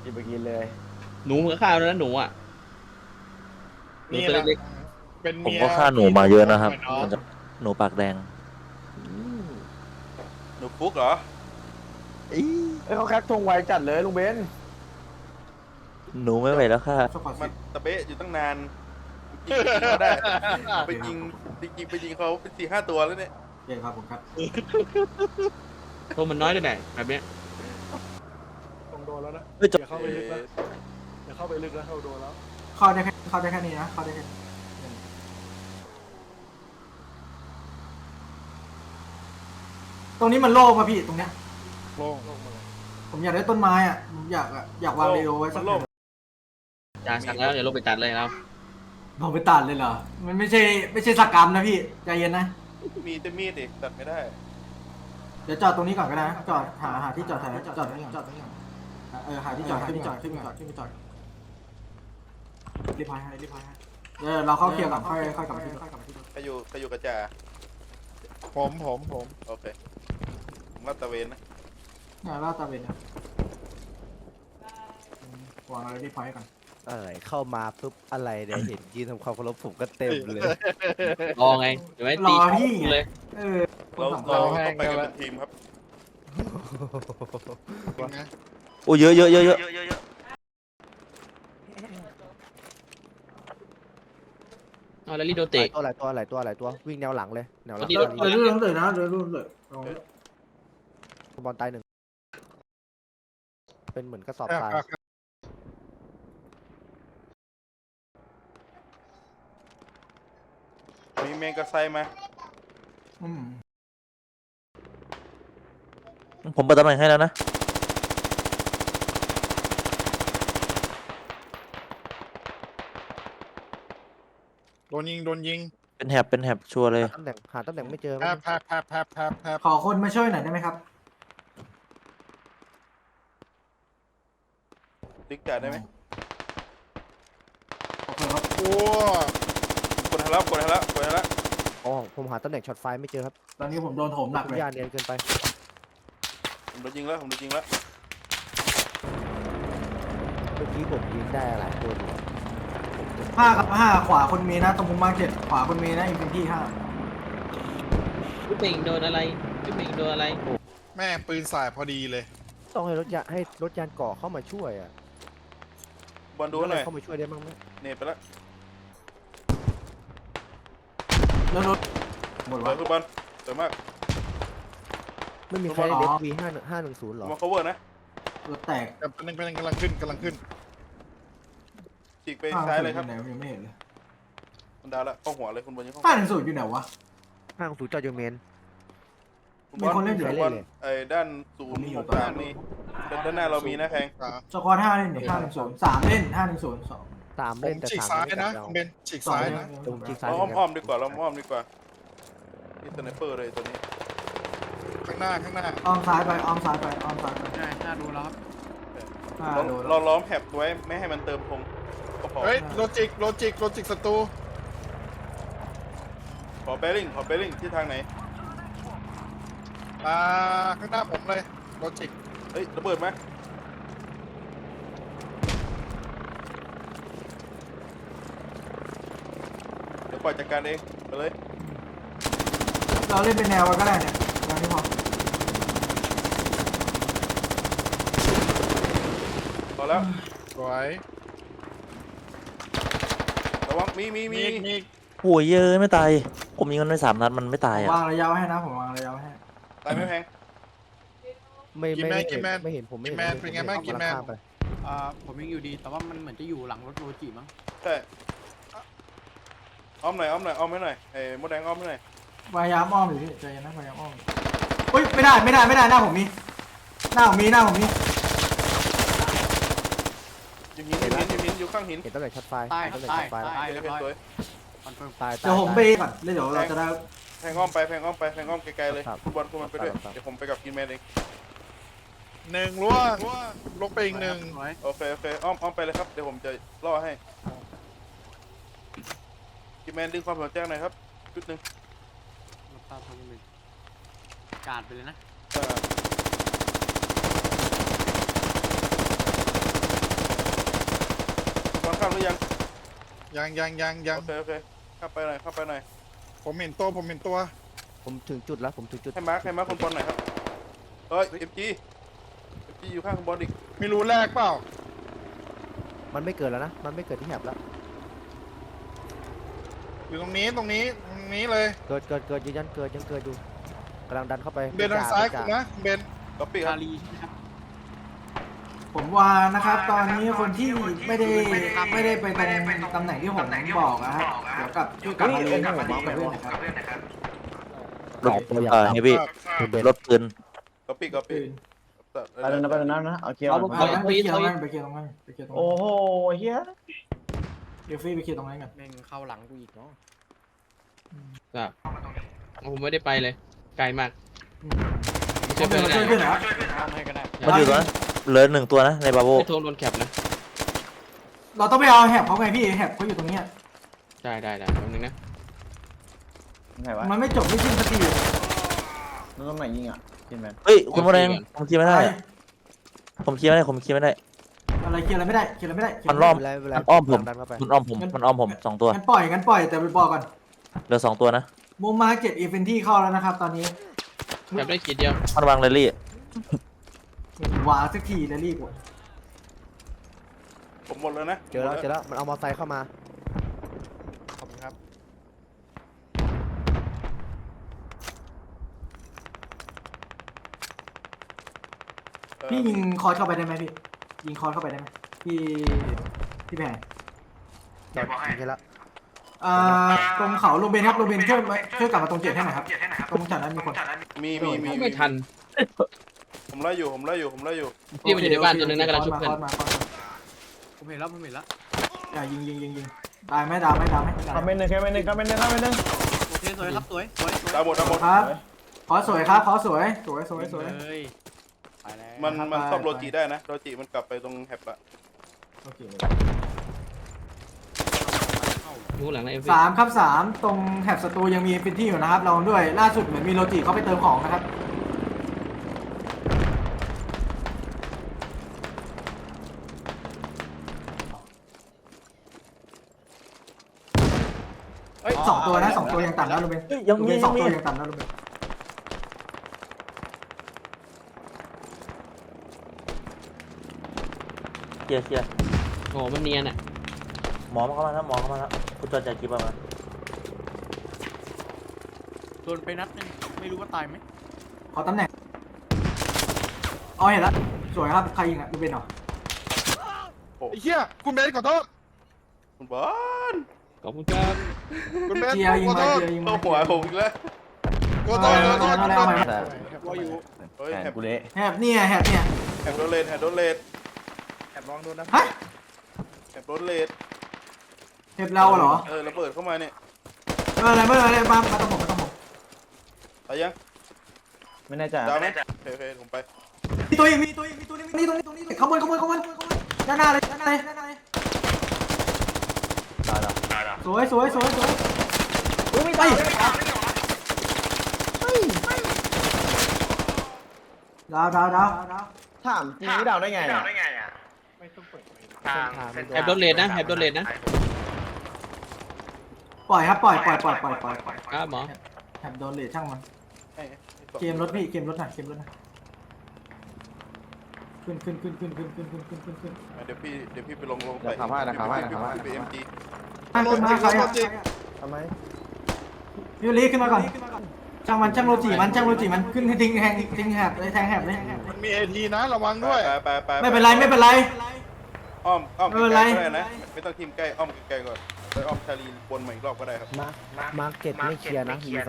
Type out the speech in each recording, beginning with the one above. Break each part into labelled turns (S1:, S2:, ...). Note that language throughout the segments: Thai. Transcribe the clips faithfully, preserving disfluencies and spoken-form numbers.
S1: กินไปกินเลย
S2: หนูกับข้าวนะหนูอ่ะหนู
S3: นี่
S2: ตัว
S3: แหละ
S2: เล็ก
S3: เป็น
S4: ผม
S3: เมีย
S4: ก็ฆ่าหนูมาเยอะนะครับ
S3: พี่น้อง
S4: หนูปากแดง
S5: หนูฟุกเหรอ
S1: เอ้ยเขาแคปทงไวจัดเลยลุงเบน
S4: หนูไม่ไหวแล้วค่ะ
S5: มันตะเบะอยู่ตั้งนานยิงเขาได้ไปยิงจริงๆไปยิงเขาเป็นสี่ห้าตัวแล้วเนี่ย
S6: เก่งครับผมครับ
S2: ๆตัวมันน้อยด้วยไหนแบบเนี้ย
S3: ต้องโดนแล้วนะ
S4: เฮ้ยจบ
S3: อย่าเข้าไปลึกนะอย่าเข้าไปลึกนะเข้าโดนแล้ว
S6: เข้าได้แค่เข้าได้แค่นี้นะเข้าได้แค่นี้ตรงนี้มันโล่งป่ะพี่ตรงเนี้ย
S3: โล่งโล่งมาเลย
S6: ผมอยากได้ต้นไม้อ่ะผมอยากอะอยากวางเรโอไว้สั
S5: มั
S6: ก
S5: น
S6: ห
S5: โล
S6: น่
S5: ก
S6: อย
S2: จานสั่งแล้วอย่าลงไปตัดเลยเรา
S6: เราไปตัดเลยเหรอมันไม่ใช่ไม่ใช่สักกรรมนะพี่ใจเย็นนะ
S5: มีแต่มีดดิตัดไม่ได้
S6: เดี๋ยวจอดตรงนี้ก่อนก็ได้นะจอดหาหาที่จอดแถวจอดตรงนี้ก่อนจอดตรงนี้ก่อนเออหาที่จอดขึ้นจอดขึ้นจอดขึ้นจอดรีบพายให้รีบพายให้เออเราเข้าเคลียร์ก่อนค่อยค่อยกลับมาที่ค่อยกลับมาที่
S5: ใครอยู่ใครอยู่กระจา
S3: ผมผมผม
S5: โอเคผมลาดตระเวนนะ
S6: เนี่ยลาดตระเวนนะวางอะไรรีบพายก่อน
S7: อะไรเข้ามาปุ๊บอะไรเนี่ยเห็นยืนทำความเคารพผมก็เต็มเลย
S2: รอไงเดี๋ยวไม่ตีเลย
S6: เออ
S5: เราเราต้องไปกันเป็นทีมครับ
S3: เป็นไง
S4: โอ้เยอะเยอะเยอะเยอะ
S2: เอาแล้วรีโด
S7: หลา
S2: เตะ
S7: ยตัวหลายตัวหลายตัวหลายตัววิ่งแนวหลังเลยแนวหลัง
S2: ที่
S6: เดี๋ยวเดี๋ยวรุ่นเลยนะเดี๋ยวรุ่นเลย
S7: บอลตายหนึ่งเป็นเหมือนกระสอบทราย
S5: มีแมงกะไซมา
S6: อืม
S4: ผมเปิดตำแหน่งให้แล้วนะ
S3: โดนยิงโดนยิง
S4: เป็นแถบเป็นแถบชัวร์เลย
S7: หาตำแหน่งหาตำแหน่งไม่เจอ
S3: แพบแพบแพบแพบแพบแพบ
S6: ขอคนมาช่วยหน่อยได้ไหมครับ
S5: ติ๊กจ่าได้ไหม
S6: โอเคครับ
S3: โอ้
S5: กดให้แล้วกดให้แล้วกดให้แล้ว
S7: อ๋อผมหาตำแหน่งช็อตไฟไม่เจอครับ
S6: ตอนนี้ผมโดนโถมหนักเลย
S7: ยาเนียนเกินไป
S5: ผมโดนยิงแล้วผมโดนยิงแล้ว
S7: เมื่อกี้ผมยิงได้หลายตัวอยู่
S6: ห้ากับห้าขวาคนมีนะตรงมุมมาร์เก็ตขวาคนมีนะอินฟินิตี้ห้า
S2: จุ๊บเป่งโดนอะไรจุ๊บเป่งโดนอะไร
S3: แม่ปืนสายพอดีเลย
S7: ต้องให้รถยานให้รถยานเกาะเข้ามาช่วยอ่ะ
S5: บอลดูหน่อย
S7: เข้ามาช่วยได้บ้างไหม
S5: เน็ตไปแล้ว
S6: แล้วรถหมด
S5: เปิ
S6: วะ
S5: ดคือบอลสวยมาก
S7: ไม่มีใคร
S6: อ๋อ
S7: เด็กวีห้าห้าหนึ่งศูนย์หรอ
S5: มา cover นะ
S6: รถแตก
S3: กำลังกำลังกำลังขึ้นกำลังขึ้น
S5: ฉีกไปซ้ายเลยครับ
S6: ห้าหนึ่งศูนอยู่ไหนยังไม่เห็นเลย
S5: มันดาวแล้วเข้าหัวเลยคุณบอลยังเข้า
S6: ห้าหนึ่งศูนย์อยู่ไหนวะ
S7: ห้างศูนย์จอดยูเมน
S5: คุณบอล
S6: มีคนเล่นอยู่
S5: คุณบอลไอ้ด้านศูน
S6: ผม
S5: ย์
S6: มีอยู่
S5: หกสามนี่ด้านหน้าเรามีนะแพง
S3: สาม
S6: สกอร์ห้าเล่นหนึ่งห้าหนึ่งศูนย์สามเล่นห้าหนึ่งศูนย์สอง
S7: สาม
S3: ผ
S7: เล่น
S3: ม
S7: แต่
S3: ฉีก
S7: สาม
S3: ซ้าย
S7: ไม่
S3: นะ
S7: จับ
S3: คุณเบนฉีกซ้ายนะ
S7: ตรงฉีกซ้าย
S5: เรา
S7: เหมือนกัน
S5: อ้อมๆดีกว่าเราอ้อมๆดีกว่านี่สไนเปอร์เลยตัวนี้
S3: ข้างหน้าข้างหน้า
S6: อ้อมซ้ายไปอ้อมซ้ายไปอ้อมซ้ายไป
S8: ใช่น่าดูแล้วครับ
S6: ห้า
S5: เรา
S6: โดน
S5: เราล้อมแผบไว้ไม่ให้มันเติมธงก็พอ
S3: เฮ้ยโลจิกโลจิกโลจิกศัตรู
S5: ขอเบลลิงขอเบลลิงที่ทางไหน
S3: อ่าข้างหน้าผมเลยโลจิก
S5: เฮ้ยระเบิดไหมเดี๋ยวปล่อยจัดการเองไปเลย
S6: เราเล่นเป็นแนวกันก็ได้เนี่ยแนวนี้พอ
S5: พอแล้ว
S3: สวย
S5: ระวังมีมีมี
S3: มีมี
S4: โอ้ยเยอะไม่ตาย ผมยิงมันไปสามนัดมันไม่ตาย
S6: ผม
S4: อ่ะ
S6: วางระยะไว้ให้นะผมวางระยะไว้ให้
S5: ตายไม่แพง
S7: ไม่ไม่ไม่เห็นไม่เห็นผมไม่เห็น
S3: แมนเป็นไงบ้างกินแมน
S7: ข้ามไป
S8: อ่าผมยังอยู่ดี แต่ว่ามันเหมือนจะอยู่หลังรถโรจิมั้ง
S5: ใช่อ้อมหน่อยอ้อมหน่อยอ้อมให้หน่อยไอ้มดแดงอ้อมให้หน่อย
S6: พยายามอ้อมอยู่พี่ใจเย็นนะพยายามอ้อมเฮ้ยไม่ได้ไม่ได้ไม่ได้หน้าผมมีหน้าผมมีหน้าผมมี
S5: อยู่หินอยู่หินอยู่หินอยู่ข้างหิน
S7: เห็นตำแหน่งช็อตไฟ
S8: ใต้
S7: เห็น
S8: ครั
S7: ตำ
S8: บ
S7: แหน่ง
S8: ใต้
S7: ช็อตไฟ
S8: ใต้เรียบร้อย
S5: สวย
S8: คอนเฟิร์ม
S7: ตาย
S6: เดี๋ยวผมไปก่อนแล้วเดี๋ยวเราจะได้
S5: แพงอ้อมไปแพงอ้อมไปแพงอ้อมไกลๆเลย
S7: ครับ
S5: คุณบอลคุณมันไปด้วย
S7: ครับ
S5: เดี๋ยวผมไปกับกินแมนเอง
S3: หนึ่งล่วงลงไปอีกหนึ่ง
S8: สวย
S5: โอเคโอเคอ้อมอ้อมไปเลยครับเดี๋ยวผมจะล่อให้กินแมนดึงความสนใจหน่อยครับชุดหนึ่ง
S8: รับทราบครับคุณเบนกาดไปเลยนะ
S5: เอ่อรือยัง
S3: ยังยังยังยัง
S5: โอเคโอเคเข้าไปหน่อยเข้าไปหน่อย
S3: ผมเห็นตัวผมเห็นตัว
S7: ผมถึงจุดแล้วผมถึงจุด
S5: ให้มาร์คให้มาร์คคนบอลหน่อยครับเฮ้ยเอ็มจีเอ็มจีอยู่ข้างคนบอลอีก
S3: ไม่รู้แรกเปล่า
S7: มันไม่เกิดแล้วนะ มันไม่เกิดที่แหบแล้ว
S3: อยู่ตรงนี้ตรงนี้ตรงนี้เลย
S7: เกิดเกิดเกิดยืนยันเกิดยังเกิดอยู่กำลังดันเข้าไป
S3: เบนทางซ้าย
S7: จ่
S3: คุณนะเบน
S5: ก๊อปปี้ครับ
S6: ผมว่านะครับ ตอนนี้คนที่ไม่ได้ไม่ได้ไปตรงตำแหน่งที่ผมบอกนะครับเดี๋ยวกลับช่วยกลับมาเรียนกับเพื่อนนะครับ
S4: รถเอ่อเฮฟวี่
S7: เบน
S4: รถปืน
S5: ก๊อปปี้ก๊อปปี้
S1: ไปเลยนะไปเลยนะนะเอาเคลียร์
S2: เอา
S1: ก่อน
S2: เอา
S6: ไป
S2: เอา
S6: เคลียร์ต
S2: เอา
S6: รงนั้นไปเคลียร์ตรงนั้นไปเคลียร์ตรง
S1: โอ้
S6: นั้น
S1: โหเฮีย
S6: เดี๋ยวฟรี่ไปเคลียร์ตรงนั้นกัน
S8: แม่งเข้าหลังกูอีกเนาะ
S2: ครับผมไม่ได้ไปเลย ไกลมาก
S6: ช่วยเพื่อนช่วยเพื่อนเหรอ
S8: ทำให้ก็ได้
S4: มันอยู่ตรงนั้นเหลือหนึ่งตัวนะในบาโบ
S2: ไม่โทรโดนแคปนะ
S6: เราต้องไปเอาแหบเขาไงพี่แหบเขาอยู่ตรงนี้
S2: ได้ได้ได้แป๊บนึงนะ
S1: ไหนวะ
S6: มันไม่จบไม่สิ้นสักที
S1: มันตรงไหนยิงอ่ะกินแมน
S4: เฮ้ยคุณโมแดงผมเคลียร์ไม่ได้ ผมเคลียร์ไม่ได้ผมเคลียร์ไม่ได้
S6: อะไรเคลียร์อะไรไม่ได้เคลียร์อะไรไม่ได้
S4: มันรอบ
S7: ไม่เป็นไร
S4: มันอ้อมผม
S7: ดันเข้าไป
S4: มันอ้อมผมมันอ้อมผมสองตัว
S6: งั้นปล่อยงั้นปล่อยแต่ไปบอกก่อน
S4: เหลือสองตัวนะ
S6: มุมมาเก็ตอีเวนที่เข้าแล้วนะครับ ตอนนี้
S2: แคปได้ขีดเดียว
S4: มันวางเรลลี่
S6: วางสักทีแล้วรีบกด
S5: ผมหมดแล้วนะ
S7: เจอแล้วเจอแล้วมันเอามอเตอร์ไซค์เข้ามา
S8: ขอบคุณครับ
S5: เอ่อ
S6: พี่ยิงคอร์สเข้าไปได้ไหมพี่ยิงคอร์สเข้าไปได้ไหมพี่พี่แพง
S7: จอดยิงให้ละ
S6: อ่าตรงเขาโรเบนครับโรเบนช่วยมาช่วยกลับมาตรงเจ็ดให้หน่อยครับตรงจากนั้นมีคน
S5: มีมีมี
S2: ไม่ทัน
S5: ผมไล่อยู่ผมไล่อยู่ผมไล่อยู่
S2: พี่มันอยู่ในบ้านตัวนึงนะกำลังชุบเพื่อน
S6: คอร์สมาคอร์สมา
S8: ผมเห็นแล้วผมเห็นแล้ว
S6: อย่ายิงยิงยิงยิงตายไหมดาวไหมดาวไหมดาว
S1: คอมเมนต์หนึ่งคอมเมนต์หนึ่งคอมเมนต์หนึ่งคอมเมนต์หนึ่ง
S8: โอเคสวยครับสวยสวยสวย
S5: ดาวหมดดาวหมด
S6: ครับขอสวยครับขอสวยสวยสวยสวย
S8: เลยไปแล้ว
S5: มันมันซ่อมโรจิได้นะโรจิมันกลับไปตรงแฮปละ
S6: โอเค
S2: อยู่หลังนะเอฟ
S6: สามครับสามตรงแถบศัตรูยังมีพื้นที่อยู่นะครับลองด้วยล่าสุดเหมือนมีโลจิเขาไปเติมของนะครับ
S1: เฮ้ย
S6: สองตัวนะสองตัวยังต่ำแล้วลูเบน
S4: เฮ้ยยัง
S6: ลู
S4: มี
S6: เบนส
S4: ยั
S6: อง
S4: งมี
S6: ตัวยังต่ำแล้วลูเบน
S4: เคลียร์เคลียร์
S2: โอ้โหมันเนียนอ่ะ
S4: หมอมาเข้ามาแล้วหมอเข้ามาแล้วคุณจอดจากกี่ประมาณ
S8: โดนไปนัดนึงไม่รู้ว่าตายไหม
S6: ขอตำแหน่งอ๋อเห็นแล้วสวยครับใครยิงอ่ะลูเบนเหรอ
S3: ไอ้เหี้ยคุณเบนขอโทษ
S5: คุณบอล
S2: ขอบคุณครับ
S3: คุณเบน
S6: เจียยิง
S3: ขอ
S6: มา
S3: โทษ
S6: เจียยิง
S5: เข้า
S6: มา
S5: หัวผมอีกแล้ว
S3: ขอโทษขอโทษ
S6: เอาแล้วเอาแล้ว
S1: แต่
S3: ว่าอยู่
S5: เฮ้ย
S1: แข
S5: แฮ
S1: น
S5: ป
S1: กูเละ
S6: แหบเนี่ยแหบเนี่ย
S5: แฮปโดนเลดแฮปโดนเลด
S3: แอบลองโดนนะ
S6: ฮะ
S5: แฮปโดนเลด
S6: แหบเราเหรอ
S5: เออระเบิดเข้ามาเนี่ย
S6: ไม่เป็นไรไม่เป็นไรมามาตรงผมมาตรงผม
S5: ตายยัง
S1: ไม่แน่ใจ
S5: ดาวไหมโอเคโอเคผมไป
S6: มีตัวอีกมีตัวอีกมีตัวนี้มีตัวนี้ตรงนี้ขโมยขโมยขโมยขโมยขโมยด้านหน้าเลยด้านหน้าเลยด้านหน้าเลย
S1: ตายแล้ว
S6: สวยสวยสวยสวยอุ้ยไม่ตายดาวดาวดาวดาว
S1: ถามจริงนี่เดาได้ไงอ่ะ
S2: แฮปโดนเลนนะแฮปโดนเลนนะ
S6: ปล่อยครับปล่อยปล่อยปล่อยปล่อยปล่อยปล่อย
S2: ครับหมอ
S6: แถบโดนเลทช่างมัน
S5: ให้ให้สอง
S6: เกมรถพี่เกมรถหน่อยเกมรถหน่อยขึ้นขึ้นขึ้นขึ้นขึ้นขึ้นขึ้นขึ้นขึ้นขึ้น
S5: เดี๋ยวพี่เดี๋ยวพี่ไปลงลง
S1: เดี๋ยวขับให้นะขับให้นะขับให้
S5: พี่ไปเอ็มจี
S6: ขึ้นมาใครอ่ะ
S1: ทำไม
S6: ยูริขึ้นมาก่อนช่างมันช่างโรจิมันช่างโรจิมันขึ้นให้ทิ้งแหงทิ้งแหบเลยแทงแหบเลย
S3: มันมีเอทีนะระวังด้วย
S5: ไปไปไป
S6: ไม่เป็นไรไม่เป็นไร
S5: อ้อมอ้อม
S6: ไม่เป็นไร
S5: ใกล้ๆก็ได้นะไม่ต้องทีมใกล้อ้อมไกลๆก่อนไปอ้อมชาลีวนมาอีกรอบก็ได้ครับ
S7: มามาร์เก็ตไม่เคลียร์นะมีคน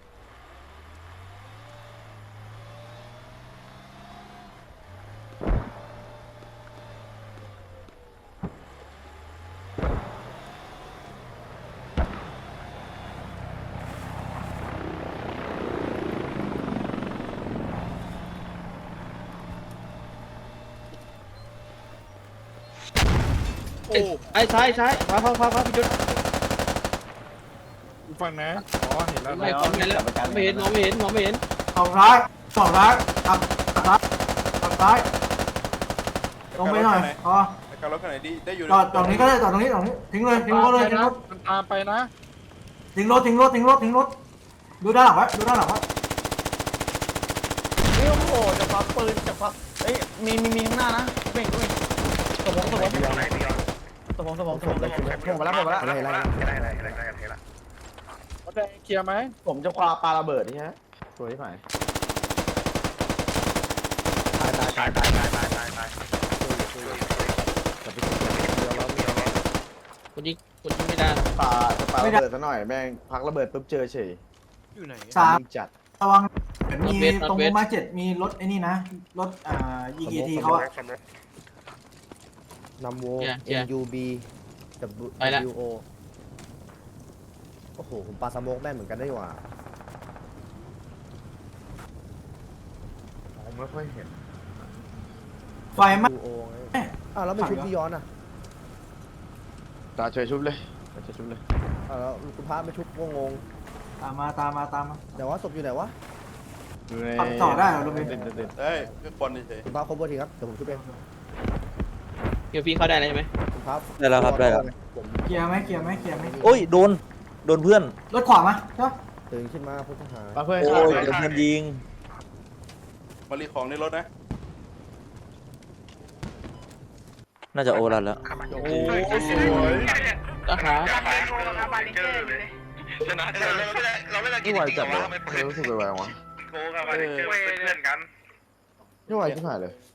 S3: โอ้
S2: ไอ้ซ้ายซ้ายขวาขวาขวาขวาพี่จุด
S3: ฟังนะอ๋อเห็นแล้ว
S2: ไม่ผมเห็นแล้วไม่เห็นมองไม่เห็นมองไม่เห็น
S6: สองร้ายสองร้ายขับขับร้ายขับร้ายลงไปหน่อยพอ
S5: ไปกับรถคันไหนดีได้อยู่
S6: จอดตรงนี้ก็ได้จอดตรงนี้ตรงนี้ทิ้งเลยทิ้งรถเลยทิ้งรถ
S3: มันตามไปนะ
S6: ทิ้งรถทิ้งรถทิ้งรถทิ้งรถดูด้านหลังไว้ดูด้านหลังไว้
S1: นี่โอ้โหจะควักปืนจะควักเอ้ยมีมีมีข้างหน้านะเบ่งด้วยสมองสมองสมองสมองสมองสมองผมมาแล้วผมมาแล้ว
S7: อะไรอะไร
S3: รถแดงเคลียร์ไหม
S1: ผมจะคว้าปาระเบิดนี่ฮะสวยที่ไหน
S7: ตายตายตายตายตายตายตายตายจะไปเดียวแล้วเดียวแล้ว
S2: คนยิงคนยิงไม่ได้
S1: ปาจะปาระเบิดซะหน่อยแม่งพักระเบิดปุ๊บเจอเฉย
S8: อยู่ไหน
S6: สาม
S1: ยิงจัด
S6: ระวังเหมือนมีตรงมุมมาเจ็ดมีรถไอ้นี่นะรถอ่ายีกีทีเขาอะ
S7: นำโว
S2: เกียร์
S7: N U B กับ
S2: ไปละ
S7: W O โอ้โหผมปาสโมกแม่นเหมือนกันได้หว่า
S1: ผมไม่ค่อยเห็น
S6: ไฟไหม
S7: W O ไงอ้าวแล้วไม่ชุบพี่ย้อนอ่ะ
S1: ตาเฉยชุบเลยตาเฉยชุบเลย
S7: อ้าวแล้วคุณพระไม่ชุบงงง
S6: ตามมาตามมาตามมา
S7: เดี๋ยวว่าศพอยู่ไหนวะ
S1: อยู่ใน
S6: ขับต่อได้เหรอลุงเบน
S1: เด่นเด่น
S5: ได้ก็ควันเฉย
S7: คุณพระครบทีครับเดี๋ยวผมชุบเอง
S2: เกียวพี่เข้าได้แล้วใช่ไหม
S7: คุณพระ
S4: ได้แล้วครับได้แล้ว
S7: ผม
S6: เคลียร์ไหมเคลียร์ไหมเคลียร์ไหม
S4: โอ้ยโดนโดนเพื่อน
S6: รถขวามาใช่ปะ
S7: ตื่นขึ้นมาผู้ต้องหา
S1: ปาเพื่อน
S4: โอ้
S1: ข้าวย
S4: โดนเพื่อนยิง
S5: มารีของในรถนะ
S4: น่าจะโอรันแล้ว
S3: โอ้สวย
S2: นะครับ
S1: ไม่ไหวจัดเลยรู้สึกไวๆวะ
S5: โกกับมาเจอเป็นเพื่อนกัน
S1: ไม่ไหวที่ผ่านเลย